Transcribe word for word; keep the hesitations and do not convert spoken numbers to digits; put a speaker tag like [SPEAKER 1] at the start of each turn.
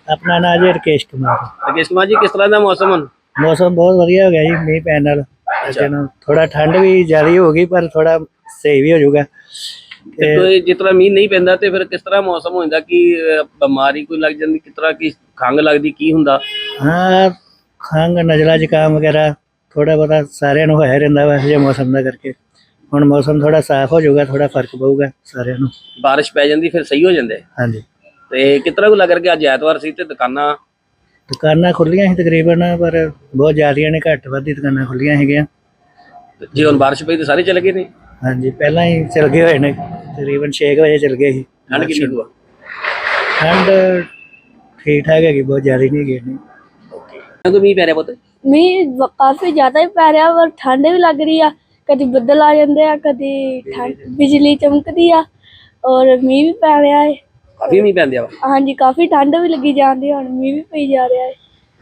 [SPEAKER 1] ਆਪਣਾ ਨਾਂ ਜੀ ਰਕੇਸ਼ ਕੁਮਾਰ।
[SPEAKER 2] ਰਕੇਸ਼ ਕੁਮਾਰ ਜੀ, ਕਿਸ ਤਰ੍ਹਾਂ ਦਾ ਮੌਸਮ ਹੁਣ?
[SPEAKER 1] ਮੌਸਮ ਬਹੁਤ ਵਧੀਆ ਹੋ ਗਿਆ ਜੀ ਮੀਂਹ ਪੈਣ ਨਾਲ। ਥੋੜਾ ਠੰਡ ਵੀ ਜ਼ਿਆਦਾ ਹੋ ਗਈ ਪਰ ਥੋੜਾ ਸਹੀ ਵੀ ਹੋ ਜਾਊਗਾ।
[SPEAKER 2] ਤੇ ਜਿਸ ਤਰ੍ਹਾਂ ਮੀਂਹ ਨਹੀਂ ਪੈਂਦਾ ਤੇ ਫਿਰ ਕਿਸ ਤਰ੍ਹਾਂ ਮੌਸਮ ਹੋ ਜਾਂਦਾ? ਕਿ ਬਿਮਾਰੀ ਕੋਈ ਲੱਗ ਜਾਂਦੀ, ਕਿਸ ਤਰ੍ਹਾਂ ਕੀ ਖੰਘ ਲੱਗਦੀ, ਕੀ ਹੁੰਦਾ?
[SPEAKER 1] ਹਾਂ, ਖੰਘ, ਨਜ਼ਲਾ, ਜ਼ੁਕਾਮ ਵਗੈਰਾ ਥੋੜਾ ਬਹੁਤਾ ਸਾਰਿਆਂ ਨੂੰ ਹੋਇਆ ਰਹਿੰਦਾ ਵਾ ਇਹ ਮੌਸਮ ਦਾ ਕਰਕੇ। ਹੁਣ ਮੌਸਮ ਥੋੜਾ ਸਾਫ਼ ਹੋ ਜਾਊਗਾ, ਥੋੜਾ ਫਰਕ ਪਊਗਾ ਸਾਰਿਆਂ ਨੂੰ।
[SPEAKER 2] ਬਾਰਿਸ਼ ਪੈ ਜਾਂਦੀ ਫਿਰ ਸਹੀ ਹੋ ਜਾਂਦੇ?
[SPEAKER 1] ਹਾਂਜੀ।
[SPEAKER 2] ਤੇ ਕਿਸ ਤਰ੍ਹਾਂ ਕੋ ਲੱਗ ਰਿਹਾ ਕਿ ਅੱਜ ਐਤਵਾਰ ਸੀ ਤੇ ਦੁਕਾਨਾਂ
[SPEAKER 1] ਦੁਕਾਨਾਂ ਖੁੱਲੀਆਂ ਸੀ ਤਕਰੀਬਨ, ਪਰ ਬਹੁਤ ਜ਼ਿਆਦੀਆਂ ਨੇ, ਘੱਟ ਵੱਧ ਹੀ ਦੁਕਾਨਾਂ ਖੁੱਲੀਆਂ ਹੈਗੀਆਂ।
[SPEAKER 2] ਜੇ ਹੁਣ ਬਾਰਿਸ਼ ਪਈ ਤਾਂ ਸਾਰੇ ਚਲੇ ਗਏ ਨੇ?
[SPEAKER 1] ਹਾਂਜੀ, ਪਹਿਲਾਂ ਹੀ ਚਲ ਗਏ ਹੋਏ ਨੇ, ਤਕਰੀਬਨ ਛੇ ਕੁ ਵਜੇ ਚਲ ਗਏ ਸੀ।
[SPEAKER 2] ਠੰਡ ਕਿੰਨੀ ਕੁ ਆ?
[SPEAKER 1] ਠੰਡ ਠੀਕ ਠਾਕ ਹੈਗੀ, ਬਹੁਤ ਜ਼ਿਆਦਾ ਨਹੀਂ ਹੈਗੀ ਇੰਨੀ।
[SPEAKER 2] ਕਦੋਂ ਮੀਂਹ ਪੈ ਰਿਹਾ ਪੁੱਤ?
[SPEAKER 3] ਮੀਂਹ ਕਾਫੀ ਜ਼ਿਆਦਾ ਹੀ ਪੈ ਰਿਹਾ, ਪਰ ਠੰਡ ਵੀ ਲੱਗ ਰਹੀ ਆ। ਕਦੀ ਬੱਦਲ ਆ ਜਾਂਦੇ ਆ, ਕਦੀ ਠੰਡ ਬਿਜਲੀ ਚਮਕਦੀ ਆ, ਔਰ ਮੀਂਹ ਵੀ ਪੈ ਰਿਹਾ ਹੈ।
[SPEAKER 2] ਕਾਫੀ ਮੀਂਹ ਪੈਂਦਿਆ ਵਾ?
[SPEAKER 3] ਹਾਂਜੀ, ਕਾਫੀ ਠੰਡ ਵੀ ਲੱਗੀ ਜਾਂਦੀ, ਹੁਣ ਮੀਂਹ ਵੀ ਪਈ ਜਾ ਰਿਹਾ ਹੈ।